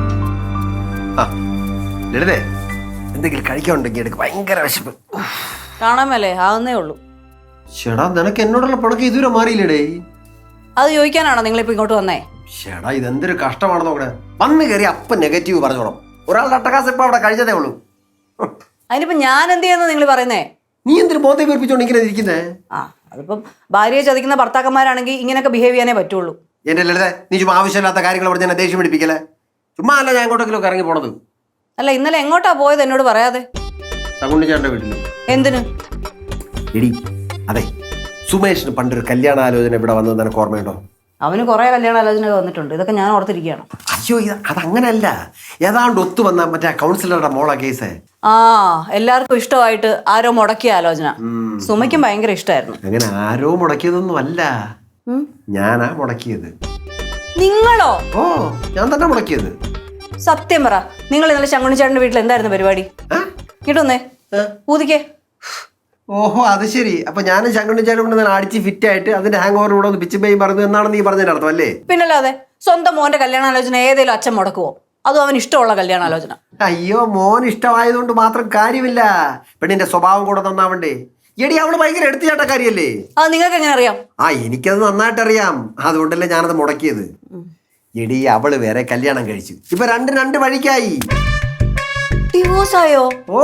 ലളിതേ എന്തെങ്കിലും കഴിക്കാനുണ്ടെങ്കിൽ എടുക്ക്, ഭയങ്കര വിശപ്പ്.
കാണാൻ മേലേ ആവുന്നേ ഉള്ളൂ.
ചേടാ നിനക്ക് എന്നോടുള്ള പിണക്ക് ഇതുവരെ മാറിയില്ലേടേ?
അത് ചോദിക്കാനാണോ നിങ്ങളിപ്പോ ഇങ്ങോട്ട് വന്നേ?
ചേടാ ഇതെന്തൊരു കഷ്ടമാണ് നോക്കണേ. വന്ന് കയറി അപ്പം നെഗറ്റീവ് പറഞ്ഞോളാം. ഒരാളുടെ അട്ടകാസം ഇപ്പൊ അവിടെ കഴിച്ചതേ ഉള്ളൂ.
അതിനിപ്പോ ഞാൻ എന്ത് ചെയ്യുന്ന നിങ്ങൾ പറയുന്നേ?
നീ എന്തൊരു ബോധം വീർപ്പിച്ചോണ്ട് ഇങ്ങനെ ഇരിക്കുന്നേ?
ആ അതിപ്പം ഭാര്യയെ ചതിക്കുന്ന ഭർത്താക്കന്മാരാണെങ്കിൽ ഇങ്ങനെയൊക്കെ ബിഹേവ് ചെയ്യാനേ പറ്റുള്ളൂ.
എന്റെ ലളിത, നീ ചുമ്മാ ആവശ്യമില്ലാത്ത കാര്യങ്ങൾ പറഞ്ഞ് എന്നെ ദേഷ്യം പിടിപ്പിക്കല്ലേ. ചുമ്മാ അല്ല ഞാൻ എങ്ങോട്ടെങ്കിലും ഇറങ്ങി പോണത്.
അല്ല ഇന്നലെ എങ്ങോട്ടാ പോയത് എന്നോട് പറയാതെ?
തകുണ്ടിച്ചാന്റെ വീട്ടിൽ.
എന്തിന്?
എടി അതെ, സുമേഷിന് പണ്ടൊരു കല്യാണാലോചന ഇവിടെ വന്നത് നിനക്ക് ഓർമ്മയുണ്ടോ?
അവന് കുറെ കല്യാണാലോചന വന്നിട്ടുണ്ട്. ഇതൊക്കെ ഞാൻ ഓർത്തിരിക്കുകയാണ്.
അയ്യോ ഇത് അതങ്ങനല്ല, ഏതാണ്ട് ഒത്തു വന്ന മറ്റേ കൗൺസിലറുടെ മോള കേസ്.
ആ എല്ലാവർക്കും ഇഷ്ടമായിട്ട് ആരോ മുടക്കിയ ആലോചന. സുമയ്ക്കും ഭയങ്കര ഇഷ്ടമായിരുന്നു.
അങ്ങനെ ആരോ മുടക്കിയതൊന്നും അല്ല, ഞാനാ മുടക്കിയത്.
നിങ്ങളോ?
ഓ ഞാൻ തന്നെ മുടക്കിയത്.
സത്യം പറ, നിങ്ങൾ ഇന്നലെ ശങ്കുണിച്ചേട്ടന്റെ വീട്ടിൽ എന്തായിരുന്നു പരിപാടി? കിട്ടുന്നേ ഊതിക്കേ.
ഓഹോ അത് ശരി. അപ്പൊ ഞാനും ശങ്കുണിച്ചാലും കൊണ്ട് ഞാൻ അടിച്ച് ഫിറ്റ് ആയിട്ട് അതിന്റെ ഹാങ് ഓവർ കൂടെ ഒന്ന് പിച്ചും പേയും പറഞ്ഞു എന്നാണ് നീ പറഞ്ഞതിന്റെ അർത്ഥം അല്ലേ?
പിന്നല്ലാതെ സ്വന്തം മോന്റെ കല്യാണാലോചന ഏതെങ്കിലും അച്ഛൻ മുടക്കുവോ? അതും അവന് ഇഷ്ടമുള്ള കല്യാണാലോചന.
അയ്യോ മോൻ ഇഷ്ടമായതുകൊണ്ട് മാത്രം കാര്യമില്ല, പെണ്ണിന്റെ സ്വഭാവം കൂടെ നന്നാവണ്ടേ. എടി അവള് ഭയങ്കര എടുത്തുചാട്ടക്കാരിയല്ലേ?
അത് നിങ്ങൾക്ക് എങ്ങനെ അറിയാം?
ആ എനിക്കത് നന്നായിട്ട് അറിയാം, അതുകൊണ്ടല്ലേ ഞാനത് മുടക്കിയത്. എടി അവള് വേറെ കല്യാണം കഴിച്ചു, ഇപ്പൊ രണ്ട് രണ്ട് വഴിക്കായി.
ഡിവോഴ്സ് ആയോ?
ഓ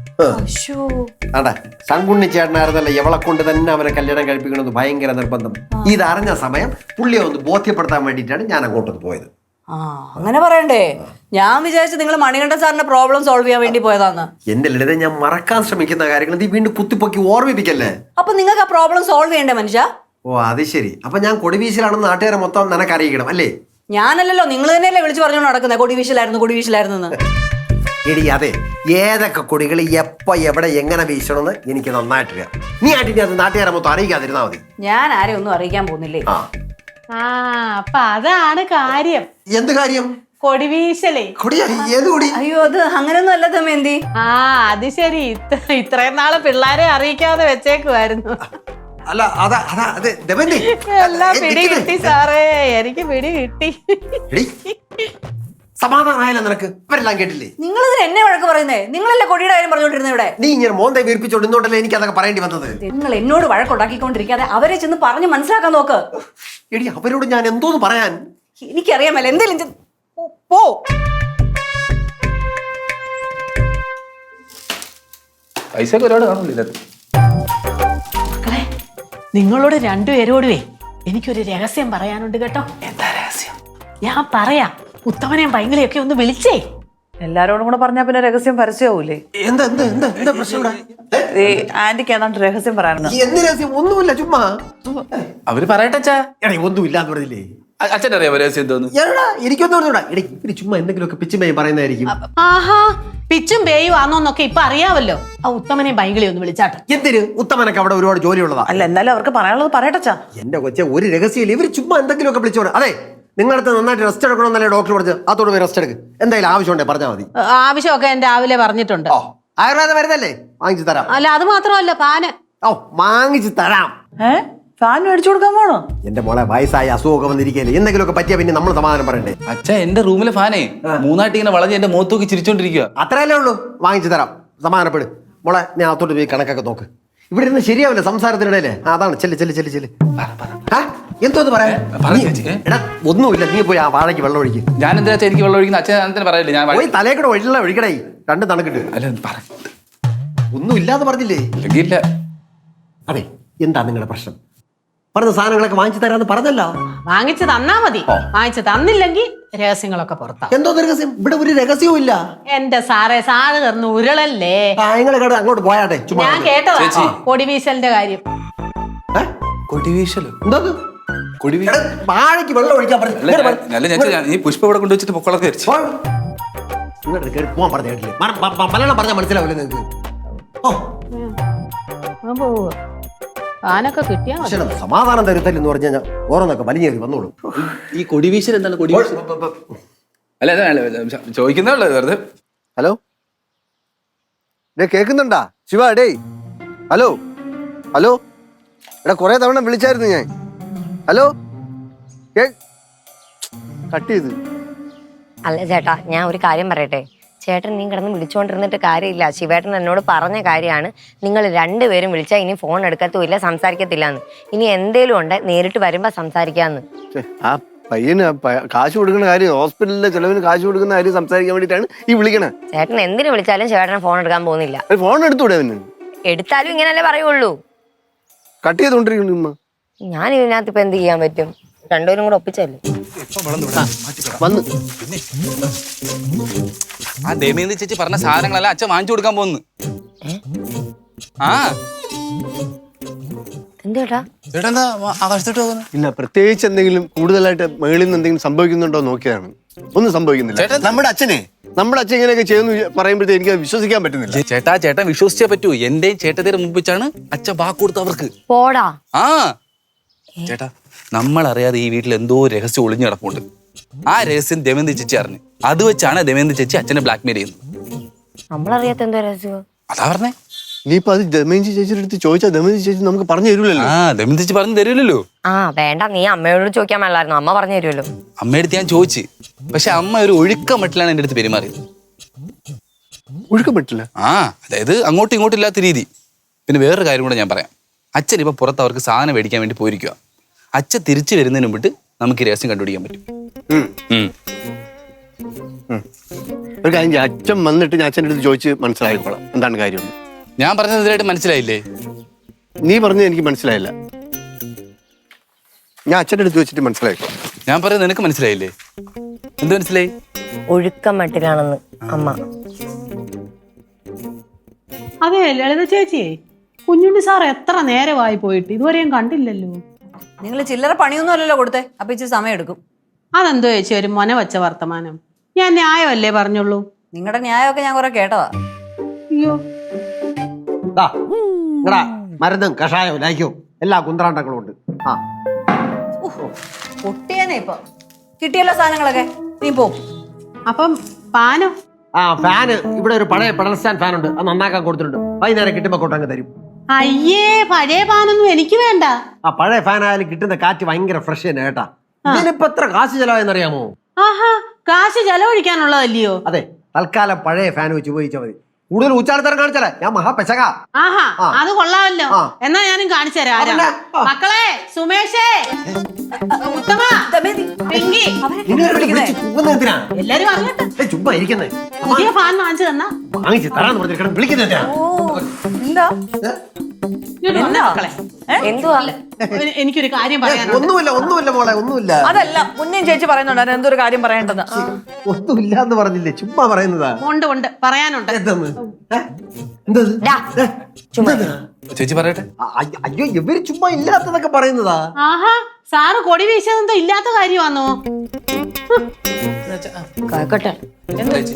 അടാ ശങ്കുണ്ണി ചേട്ടനായിരുന്നല്ലേ എവളെ കൊണ്ട് തന്നെ അവനെ കല്യാണം കഴിപ്പിക്കണമെന്ന് ഭയങ്കര നിർബന്ധം. ഇതറിഞ്ഞ സമയം പുള്ളിയെ ഒന്ന് ബോധ്യപ്പെടുത്താൻ വേണ്ടിയിട്ടാണ് ഞാൻ അങ്ങോട്ടൊന്ന് പോയത്.
ആ അങ്ങനെ പറയണ്ടേ? ഞാൻ വിചാരിച്ചു നിങ്ങൾ മണികണ്ഠൻ സാറിന്റെ പ്രോബ്ലം സോൾവ് ചെയ്യാൻ വേണ്ടി പോയതാന്ന്.
എന്റെ ലളിത, ഞാൻ മറക്കാൻ ശ്രമിക്കുന്ന കാര്യങ്ങൾ നീ വീണ്ടും കുത്തിപ്പൊക്കി ഓർമ്മിപ്പിക്കല്ലേ.
അപ്പൊ നിങ്ങൾക്ക് ആ പ്രോബ്ലം സോൾവ് ചെയ്യണ്ടേ മനുഷ്യ?
ഓ അത് ശരി. അപ്പൊ ഞാൻ കൊടിവീശലാണെന്ന് നാട്ടുകാരെ മൊത്തം നിനക്ക് അറിയിക്കണം അല്ലേ?
ഞാനല്ലല്ലോ, നിങ്ങൾ തന്നെയല്ലേ വിളിച്ചു പറഞ്ഞോണ്ട് നടക്കുന്നത് കൊടിവീശലായിരുന്നു കൊടിവീശലായിരുന്നു.
എടി അതെ, ഏതൊക്കെ കൊടികൾ എപ്പോ എവിടെ എങ്ങനെ വീശണമെന്ന് എനിക്ക് നന്നായിട്ടറിയാം. നീ ആയിട്ട് അത് നാട്ടുകാരെ മൊത്തം അറിയിക്കാതിരുന്നാ മതി.
ഞാൻ ആരെയും ഒന്നും അറിയിക്കാൻ പോകുന്നില്ലേ.
ആ അപ്പൊ അതാണ് കാര്യം.
എന്ത് കാര്യം?
കൊടിവീശലേ.
ഏത് കൊടി?
അയ്യോ അത് അങ്ങനെയൊന്നും അല്ല ദമയന്തി.
ആ അത് ശരി. ഇത്രയും നാള് പിള്ളേരെ അറിയിക്കാതെ വെച്ചേക്കുമായിരുന്നു.
അല്ല അതാ അതാ അതെ ദമയന്തി,
എല്ലാം പിടി കിട്ടി സാറേ, എനിക്ക് പിടി കിട്ടി.
സമാധാനമായല്ലോ നിനക്ക്? അവരെല്ലാം കേട്ടില്ലേ?
നിങ്ങൾ ഇതിന് എന്നെ വഴക്ക് പറയുന്നേ? നിങ്ങളല്ലേ കൊടിയുടെ കാര്യം പറഞ്ഞോണ്ടിരുന്നത് ഇവിടെ?
നീ ഇങ്ങനെ മോന്തെ വീർപ്പിച്ചോണ്ടിരുന്നോണ്ടല്ലേ എനിക്ക് അതൊക്കെ പറയേണ്ടി വന്നത്.
നിങ്ങൾ എന്നോട് വഴക്കുണ്ടാക്കിക്കൊണ്ടിരിക്കാതെ അവരെ ചെന്ന് പറഞ്ഞ് മനസ്സിലാക്കാൻ നോക്ക്.
എടി അവരോട് ഞാൻ എന്തോന്ന് പറയാൻ?
എനിക്കറിയാമല്ലോ എന്തേലും പോ.
പൈസ ഒരുപാട് കാണില്ല.
നിങ്ങളോട് രണ്ടുപേരോടുവേ എനിക്കൊരു രഹസ്യം പറയാനുണ്ട് കേട്ടോ.
എന്താ രഹസ്യം?
ഞാൻ പറയാം. ഉത്തമനെയും ഭയങ്കരയൊക്കെ ഒന്ന് വിളിച്ചേ.
എല്ലാരോടും കൂടെ പറഞ്ഞാ പിന്നെ രഹസ്യം പരസ്യമാവൂലേ?
എന്താ എന്താ എന്താ എന്താ പ്രശ്നം?
ആന്റിക്ക് ഏതാണ്ട് രഹസ്യം പറയാനുണ്ട്.
എന്ത് രഹസ്യം? ഒന്നുമില്ല, ചുമ്മാ
അവര് പറയട്ടെ അച്ഛാ.
എടേ ഒന്നുമില്ല എന്ന് പറഞ്ഞില്ലേ?
അച്ഛൻ അറിയാം രഹസ്യം എന്തോന്ന്?
എടാ എനിക്കൊന്നും പറഞ്ഞൂടാ. എടേ ഇവര് ചുമ്മാ എന്തെങ്കിലുമൊക്കെ പിച്ചുമയും പറയുന്നതായിരിക്കും.
ആഹാ പിച്ചും പേയും ആന്നോന്നൊക്കെ ഇപ്പൊ അറിയാവല്ലോ. ആ ഉത്തമനെയും ഭയങ്കരയും ഒന്ന് വിളിച്ചാട്ടെ.
എന്തിന്? ഉത്തമനൊക്കെ അവിടെ ഒരുപാട് ജോലിയുള്ളതാ.
അല്ല എന്നാലും അവർക്ക് പറയാനുള്ളത് പറയട്ടച്ചാ.
എന്റെ കൊച്ചെ ഒരു രഹസ്യമില്ല, ഇവര് ചുമ്മാ എന്തെങ്കിലുമൊക്കെ വിളിച്ചോടെ. അതെ നിങ്ങളടുത്ത് നന്നായിട്ട് റെസ്റ്റ് എടുക്കണമെന്നല്ലേ ഡോക്ടർ പറഞ്ഞത്? അതോട് പോയി റെസ്റ്റ് എടുക്ക്. എന്തായാലും ആവശ്യമുണ്ടേ പറഞ്ഞാൽ മതി.
ആവശ്യമൊക്കെ ഞാൻ രാവിലെ പറഞ്ഞിട്ടുണ്ട്.
ഓ ആയുർവേദ മരുന്നല്ലേ, വാങ്ങിച്ചു തരാം.
അല്ല അത് മാത്രമല്ല പാന്.
ഓ വാങ്ങിച്ചു തരാം.
ഏ ഫാൻ മേടിച്ചു കൊടുക്കാൻ പോണോ?
എന്റെ മോളെ വയസ്സായ അസുഖമൊക്കെ വന്നിരിക്കല്ലേ, എന്തെങ്കിലുമൊക്കെ പറ്റിയാ പിന്നെ നമ്മൾ സമാധാനം പറയണ്ടേ?
അച്ഛാ എന്റെ റൂമിലെ ഫാനേ മൂന്നായിട്ട് ഇങ്ങനെ വളഞ്ഞ് എന്റെ മുഖത്തോക്കി ചിരിച്ചോണ്ടിരിക്കുക.
അത്രയല്ലേ ഉള്ളൂ, വാങ്ങിച്ചു തരാം. സമാധാനപ്പെട് മോളെ. ഞാൻ അത്തോട്ട് പോയി കണക്കൊക്കെ നോക്ക്. ഇവിടെ ഇരുന്ന് ശരിയാവില്ല സംസാരത്തിനിടയിലേ. അതാണ് ചെല്ല് ചെല്ല് ചെല്ല് ചെല്ല്. എന്തോന്ന് പറയാ? എടാ ഒന്നുമില്ല, നീ പോയി ആ വാഴയ്ക്ക് വെള്ളം ഒഴിക്കും.
ഞാൻ എന്താ എനിക്ക് വെള്ളം ഒഴിക്കുന്ന അച്ഛൻ എന്തിനാ പറയില്ലേ? ഞാൻ
പോയി തലേക്കൂടെ വെള്ളം ഒഴിക്കടേ, രണ്ട് തണുക്കിട്ട്.
അല്ല
ഒന്നും ഇല്ലാന്ന് പറഞ്ഞില്ലേ?
ഇല്ല.
അതെ എന്താ നിങ്ങളുടെ പ്രശ്നം? പറഞ്ഞ സാധനങ്ങളൊക്കെ വാങ്ങിച്ചു തരാന്ന് പറഞ്ഞല്ലോ.
വാങ്ങിച്ചു തന്നാ മതി. വാങ്ങിച്ചു തന്നില്ലെങ്കിൽ രഹസ്യങ്ങളൊക്കെ പുറത്താ.
എന്തോ രഹസ്യം? ഇവിടെ ഒരു രഹസ്യവും ഇല്ല.
എന്റെ സാറേ സാറ് കയറുന്ന ഉരുളല്ലേ.
നിങ്ങളെ അങ്ങോട്ട് പോയാട്ടെ.
ഞാൻ കേട്ടതാ കൊടിവീശലിന്റെ കാര്യം.
കൊടിവീശലോ?
എന്താ വാഴയ്ക്ക് വെള്ളം ഒഴിക്കാൻ
പറഞ്ഞു? പുഷ്പ ഇവിടെ കൊണ്ടുവച്ചിട്ട് പൊക്കളൊക്കെ വെച്ചു
പോവാൻ പറഞ്ഞു കേട്ടില്ലേ? മലയാളം പറഞ്ഞാൽ മനസ്സിലാവില്ല നിങ്ങൾക്ക്.
ആനൊക്കെ കിട്ടിയാ
സമാധാനം തരുത്തൽ എന്ന് പറഞ്ഞു കഴിഞ്ഞാൽ ഓരോന്നൊക്കെ വലിഞ്ഞേറി വന്നോളൂ.
ഈ കൊടിവീശൽ എന്താണ്? കൊടിവീശൽ അല്ല ചോദിക്കുന്നേ വെറുതെ.
ഹലോ ഡേ കേൾക്കുന്നുണ്ടാ ശിവ? ഡേ ഹലോ ഹലോ എടാ കുറെ തവണ വിളിച്ചായിരുന്നു ഞാൻ. ഹലോ കട്ട് ചെയ്ത്.
അല്ല ചേട്ടാ, ഞാൻ ഒരു കാര്യം പറയട്ടെ. ചേട്ടൻ നീ കിടന്ന് വിളിച്ചുകൊണ്ടിരുന്നിട്ട് കാര്യമില്ല. ശിവേട്ടൻ എന്നോട് പറഞ്ഞ കാര്യമാണ്, നിങ്ങൾ രണ്ടുപേരും വിളിച്ചാൽ ഇനി ഫോൺ എടുക്കത്തുമില്ല, സംസാരിക്കത്തില്ല എന്ന്. ഇനി എന്തേലും ഉണ്ട് നേരിട്ട് വരുമ്പോ സംസാരിക്കാന്ന്.
ആ പയ്യന് പ- കാശ് കൊടുക്കുന്ന കാര്യം, ഹോസ്പിറ്റലിലെ ചെലവിന് കാശ് കൊടുക്കുന്ന കാര്യം സംസാരിക്കാൻ വേണ്ടിയിട്ടാണ് ഈ വിളിക്കണേ.
ചേട്ടൻ എന്തിനു വിളിച്ചാലും ചേട്ടൻ ഫോൺ എടുക്കാൻ പോകുന്നില്ല.
ഫോൺ എടുത്തൂടെ അവന്?
എടുത്താലും ഇങ്ങനല്ലേ പറയുള്ളൂ.
കട്ട് ചെയ്തോണ്ടിരിക്കുന്നു ഉമ്മ.
ഞാൻ ഇതിനകത്ത് ഇപ്പൊ എന്ത് ചെയ്യാൻ പറ്റും? രണ്ടുപേരും കൂടെ ഒപ്പിച്ചല്ലേ.
വന്ന്
ആ ദമയന്തി ചേച്ചി പറഞ്ഞ സാധനങ്ങളെല്ലാം അച്ഛൻ വാങ്ങിച്ചു കൊടുക്കാൻ പോകുന്നു. ആ
എന്തേട്ടാ
ചേട്ടാ എന്താ ആകാശത്തോട്ട് പോകുന്നു?
ഇല്ല, പ്രത്യേകിച്ച് എന്തെങ്കിലും കൂടുതലായിട്ട് മേളിൽ നിന്ന് എന്തെങ്കിലും സംഭവിക്കുന്നുണ്ടോ നോക്കിയതാണ്. ഒന്നും സംഭവിക്കുന്നില്ല. നമ്മുടെ അച്ഛനെ നമ്മുടെ അച്ഛൻ ഇങ്ങനെയൊക്കെ ചെയ്യുന്നു പറയുമ്പോഴത്തേ എനിക്ക് വിശ്വസിക്കാൻ പറ്റുന്നില്ല.
ചേട്ടാ ചേട്ടൻ വിശ്വസിച്ചേ പറ്റൂ. എന്റെയും ചേട്ടത്തിന്റെ മുമ്പിച്ചാണ് അച്ഛൻ വാക്ക് കൊടുത്തു അവർക്ക്.
പോടാ.
ആ ചേട്ടാ, നമ്മളറിയാതെ ഈ വീട്ടിൽ എന്തോ രഹസ്യം ഒളിഞ്ഞു കിടപ്പുണ്ട്. ആ രഹസ്യം ദമയന്തി ചേച്ചി അറിഞ്ഞു. അത് വെച്ചാണ് ദമയന്തി ചേച്ചി അച്ഛനെ ബ്ലാക്ക്മെയിൽ ചെയ്യുന്നത്.
നമ്മളറിയാത്ത എന്തോ രഹസ്യം.
അതാ പറഞ്ഞേ.
ഇനിയിപ്പോ അത് ദമയന്തി ചേച്ചിയുടെ അടുത്ത് ചോദിച്ചാൽ ദമയന്തി ചേച്ചി നമുക്ക് പറഞ്ഞു തരൂലല്ലോ.
ആ ദമയന്തി ചേച്ചി പറഞ്ഞു തരൂലല്ലോ.
ആ വേണ്ട, നീ അമ്മയോട് ചോദിക്കാൻ മേലായിരുന്നു, അമ്മ പറഞ്ഞു തരുമല്ലോ.
അമ്മയടുത്ത് ഞാൻ ചോദിച്ചു, പക്ഷെ അമ്മ ഒരു ഒഴുക്ക മട്ടിലാണ് എൻ്റെ അടുത്ത് പെരുമാറിയത്.
ഒഴുക്കാൻ പറ്റില്ല.
ആ അതായത് അങ്ങോട്ടും ഇങ്ങോട്ടും ഇല്ലാത്ത രീതി. പിന്നെ വേറൊരു കാര്യം കൂടെ ഞാൻ പറയാം. അച്ഛൻ ഇപ്പൊ പുറത്ത് അവർക്ക് സാധനം മേടിക്കാൻ വേണ്ടി പോയിരിക്കുക. അച്ഛൻ തിരിച്ചു വരുന്നതിന് മുമ്പിട്ട് നമുക്ക് ഈ രഹസ്യം കണ്ടുപിടിക്കാൻ പറ്റും. ഉം.
ഒരു കാര്യം ചെയ്യാം, അച്ഛൻ വന്നിട്ട് ഞാൻ അച്ഛൻ്റെ അടുത്ത് ചോദിച്ച് മനസ്സിലായിക്കോളാം എന്താണ് കാര്യം.
ഞാൻ പറഞ്ഞത് ഇതിലായിട്ട് മനസ്സിലായില്ലേ?
നീ പറഞ്ഞത് എനിക്ക് മനസ്സിലായില്ല. ഞാൻ അച്ഛൻ്റെ അടുത്ത് വെച്ചിട്ട് മനസ്സിലായിക്കോളാം.
ഞാൻ പറയുന്നത് നിനക്ക് മനസ്സിലായില്ലേ? എന്ത് മനസ്സിലായി?
ഒഴുക്കം മട്ടിലാണെന്ന് അമ്മ.
അതെ ലളിത ചേച്ചിയെ, കുഞ്ഞുണ്ണി സാർ എത്ര നേരമായി പോയിട്ട് ഇതുവരെയും കണ്ടില്ലല്ലോ.
നിങ്ങൾ ചില്ലറ പണിയൊന്നും അല്ലല്ലോ കൊടുത്തേ, അപ്പൊ ഇച്ചിരി സമയം എടുക്കും.
അതെന്തോ ചേച്ചി ഒരു മൊന വച്ച വർത്തമാനം. ഞാൻ ന്യായമല്ലേ പറഞ്ഞുള്ളൂ.
നിങ്ങളുടെ ന്യായമൊക്കെ ഞാൻ കുറെ കേട്ടതാ.
അയ്യോ,
മരുന്നും കഷായവും ലായിക്കവും എല്ലാ കുന്ത്രാണ്ടങ്ങളും ഉണ്ട്. ആ
പൊട്ടിയാനേ ഇപ്പൊ കിട്ടിയല്ലോ സാധനങ്ങളൊക്കെ. നീ പോ.
അപ്പം പാനോ?
ആ ഫാന് ഇവിടെ ഒരു പഴയ പെഡൽ സ്റ്റാൻഡ് ഫാൻ ഉണ്ട്, അത് നന്നാക്കാൻ കൊടുത്തിട്ടുണ്ട്. വൈകുന്നേരം കിട്ടുമ്പോ കൊണ്ടങ്ങ് തരും.
അയ്യേ, പഴയ പാനൊന്നും എനിക്ക് വേണ്ട.
ആ പഴയ ഫാൻ ആയാലും കിട്ടുന്ന കാറ്റ് ഭയങ്കര ഫ്രഷ് തന്നെ കേട്ടാ. ഇതിനിപ്പോ എത്ര കാശ് ചെലവായെന്നറിയാമോ?
ആഹാ, കാശ് ചെലവഴിക്കാനുള്ളതല്ലയോ?
അതെ, തൽക്കാലം പഴയ ഫാൻ വെച്ച് ഉപയോഗിച്ചാൽ മതി. കൂടുതൽ ഉച്ചാടത്തരം കാണിച്ചാലേ ഞാൻ മഹാപെശക.
ആഹാ, അത് കൊള്ളാമല്ലോ.
ആ.
എന്നാ ഞാനും കാണിച്ചു തരാം. ആരാ?
അതല്ല. ആ.
മക്കളെ, സുമേഷേ, ഉത്തമ, പിങ്കി,
എന്തിനാ
എല്ലാരും അറിയട്ടെ.
ചുമ്മാ ഇരിക്കുന്നേ?
പുതിയ ഫാൻ വാങ്ങിച്ചു തന്നാ
വാങ്ങിച്ച് തരാന്ന് പറഞ്ഞിരിക്കണം. വിളിക്കുന്ന
ഓ എന്താ
ഇങ്ങോട്ട് വന്നേ മക്കളെ.
എന്തുവാ?
എ- എനിക്കൊരു കാര്യം പറയാനുണ്ട്.
ഒന്നുമില്ല ഒന്നുമില്ല മോളെ, ഒന്നുമില്ല.
അതല്ല, മുന്നേം ചേച്ചി പറയുന്നുണ്ട് എന്തൊരു കാര്യം പറയേണ്ടത്.
ഒന്നുമില്ല എന്ന് പറഞ്ഞില്ലേ, ചുമ്മാ പറയുന്നതാ.
ഉണ്ട് ഉണ്ട് പറയാനുണ്ട്.
എന്തെന്ന്? ഏ? എന്തത്?
ഡാ, ചുമ്മാ.
ചേച്ചി പറയട്ടെ.
അ- അയ്യ- അയ്യോ, ഇവര് ചുമ്മാ ഇല്ലാത്തതൊക്കെ പറയുന്നതാ.
ആഹാ, സാറ് കൊടി വീശതെന്തോ ഇല്ലാത്ത കാര്യമാണോ?
കേക്കട്ടെ.
ചേച്ചി.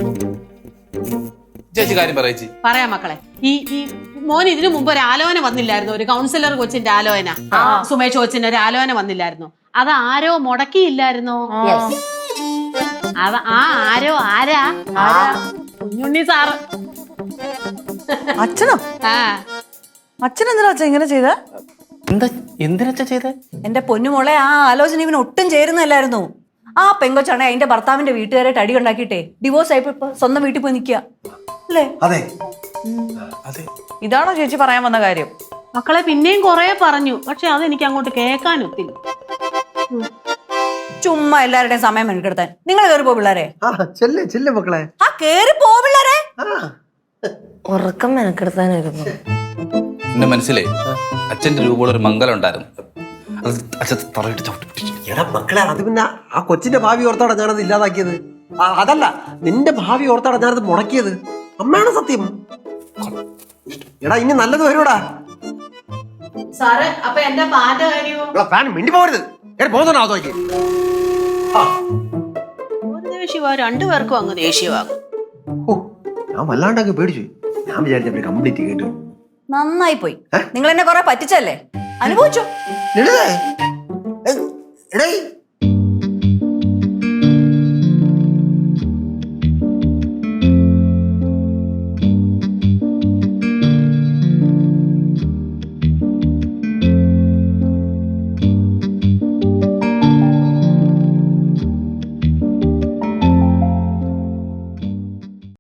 ചേച്ചി കാര്യം പറ ചേച്ചി.
പറയാം മക്കളെ. ഈ ഈ മോൻ ഇതിനു മുമ്പ് ഒരു ആലോചന വന്നില്ലായിരുന്നു, ഒരു കൗൺസിലർ കൊച്ചിന്റെ ആലോചന. സുമേഷ് കൊച്ചിന്റെ ഒരു ആലോചന വന്നില്ലായിരുന്നു. അത് ആരോ മുടക്കിയില്ലായിരുന്നോ? അത് ആ ആരോ ആരാ? കുഞ്ഞുണ്ണി സാറ്.
അച്ഛനോ?
ആ
അച്ഛൻ എന്തിനാ അച്ഛൻ ഇങ്ങനെ ചെയ്ത?
എന്താ എന്തിനച്ഛ ചെയ്തേ?
എന്റെ പൊന്നുമോളെ, ആ ആലോചന ഇവന് ഒട്ടും ചേരുന്നല്ലായിരുന്നു. ആ പെങ്കൊച്ചാണെ അതിന്റെ ഭർത്താവിന്റെ വീട്ടുകാരായിട്ട് അടി ഉണ്ടാക്കിയിട്ടേ ഡിവോഴ്സ് ആയപ്പോ ഇപ്പൊ സ്വന്തം വീട്ടിൽ പോയി നിൽക്കുക അല്ലേ?
അതെ
അതെ.
ഇതാണോ ചേച്ചി പറയാൻ വന്ന കാര്യം?
മക്കളെ പിന്നെയും കൊറേ പറഞ്ഞു, പക്ഷെ അതെനിക്ക് അങ്ങോട്ട് കേൾക്കാൻ ഒത്തില്ല.
ചുമ്മാ എല്ലാവരുടെയും സമയം മെനക്കെടുത്താൻ. നിങ്ങൾ കയറി പോ പിള്ളേരെ.
ആ ചെല്ലേ ചെല്ലേ മക്കളെ.
ആ കേറി പോ പിള്ളേരെ.
ഉറക്കം മെനക്കെടുത്താനായിരുന്നു.
എന്റെ മനസ്സിലേ അച്ഛന്റെ രൂപമുള്ള ഒരു മംഗലം ഉണ്ടായിരുന്നു. അത് അച്ഛൻ തറയിട്ട് ചവിട്ടി പിടിച്ചു.
എടാ മക്കളെ, അത് പിന്നെ ആ കൊച്ചിന്റെ ഭാവി ഓർത്താടാ ഞാനത് ഇല്ലാതാക്കിയത്. ആ, അതല്ല, നിന്റെ ഭാവി ഓർത്താടാ ഞാനത് മുടക്കിയത്. അമ്മയാണ് സത്യം. എടാ ഇനി നല്ലത് വരുവാടാ.
സാറ് അപ്പൊ എന്റെ പാന്റെ കാര്യമോ?
ഫാൻ മിണ്ടി പോകരുത്. എടാ പോകുന്നുണ്ടോ അതോക്ക്?
ഒരു ദേഷ്യവാ, രണ്ടുപേർക്കും അങ്ങ് ദേഷ്യവാകും.
ഓ, ഞാൻ വല്ലാണ്ടങ്ങ് പേടിച്ചു. ഞാൻ വിചാരിച്ചപ്പോ കംപ്ലീറ്റ് കേട്ടു.
നന്നായി പോയി. നിങ്ങൾ എന്നെ കൊറേ പറ്റിച്ചല്ലേ, അനുഭവിച്ചു.
എടേ എടേ